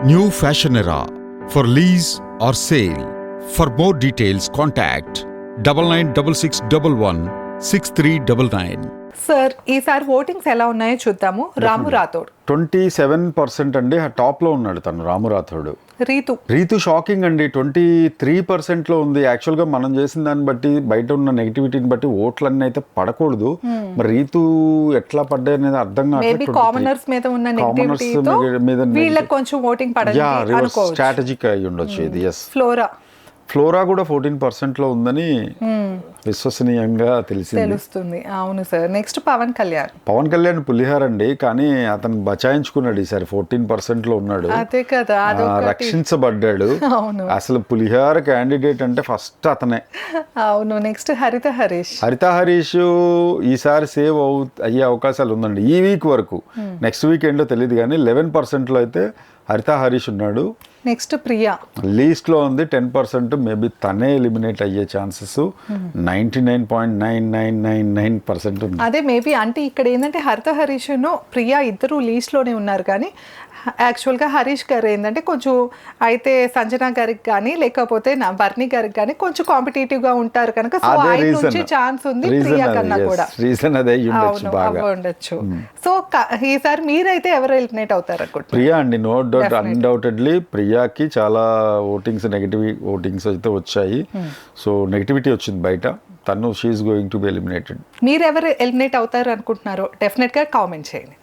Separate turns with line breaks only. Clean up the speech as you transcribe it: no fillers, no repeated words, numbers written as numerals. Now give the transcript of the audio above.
New Fashion Era for lease or sale. For more details, contact 9966116399.
Sir ఈసారి votings ఎలా ఉన్నాయో చూద్దాము. రాము రాథోడ్
27% అండి, టాప్లో ఉన్నాడు తను రాము రాథోడ్. రీతు షాకింగ్ అండి, 23%లో ఉంది. యాక్చువల్గా మనం చేసిన దాన్ని బట్టి, బయట ఉన్న నెగిటివిటీని బట్టి ఓట్లన్నీ అయితే పడకూడదు. మరి రీతు ఎట్లా పడ్డాయి అనేది అర్థం
కావట్లేదు. కామనర్స్ మీద ఉన్న నెగిటివిటీతో వీళ్ళకి కొంచెం ఓటింగ్ పడదు అనుకోవచ్చు.
స్ట్రాటజిక్ అయి ఉండొచ్చు ఇది. ఎస్,
ఫ్లోరా
కూడా 14%లో ఉందని విశ్వసనీయంగా
తెలుస్తుంది. అవును సార్. నెక్స్ట్ పవన్ కళ్యాణ్
పులిహార్ అండి, కానీ అతను బచాయించుకున్నాడు ఈసారి. 14%లో ఉన్నాడు.
అదే కదా,
రక్షించబడ్డాడు. అసలు పులిహార్ క్యాండిడేట్ అంటే ఫస్ట్ అతనే.
అవును. నెక్స్ట్ హరిత హరీష్
ఈసారి సేవ్ అయ్యే అవకాశాలు ఉందండి ఈ వీక్ వరకు. నెక్స్ట్ వీక్ ఏంటో తెలియదు కానీ 11%లో అయితే హరిత హరీష్ ఉన్నాడు.
నెక్స్ట్ ప్రియా
లీస్ట్ లో ఉంది 10%. మేబీ తనే ఎలిమినేట్ అయ్యే ఛాన్సెస్ 99.9999% ఉంది.
అదే మేబీ అంటే ఇక్కడ ఏంటంటే హరిత హరీష్ ప్రియా ఇద్దరు లీస్ట్ లోనే ఉన్నారు, కానీ యాక్చువల్గా హరీష్ గారు ఏంటంటే కొంచెం అయితే సంజన గారికి కానీ లేకపోతే బర్నీ గారికి కానీ కొంచెం కాంపిటేటివ్ గా ఉంటారు కనుక సో ఆయన నుంచి ఛాన్స్ ఉంది ప్రియా కన్నా కూడా.
రీజన్ అదే
ఉండొచ్చు. సో ఈసారి మీరైతే ఎవరు ఎలిమినేట్ అవుతారు అనుకుంటున్నారు?
ప్రియా అండి, నో డౌట్, అన్డౌటెడ్లీ ప్రియాకి చాలా నెగటివ్ ఓటింగ్స్ అయితే వచ్చాయి. సో నెగటివిటీ వచ్చింది బయట. తను she's going to be eliminated.
మీరు ఎవరు ఎలిమినేట్ అవుతారు అనుకుంటున్నారో డెఫినెట్ గా కామెంట్ చేయండి.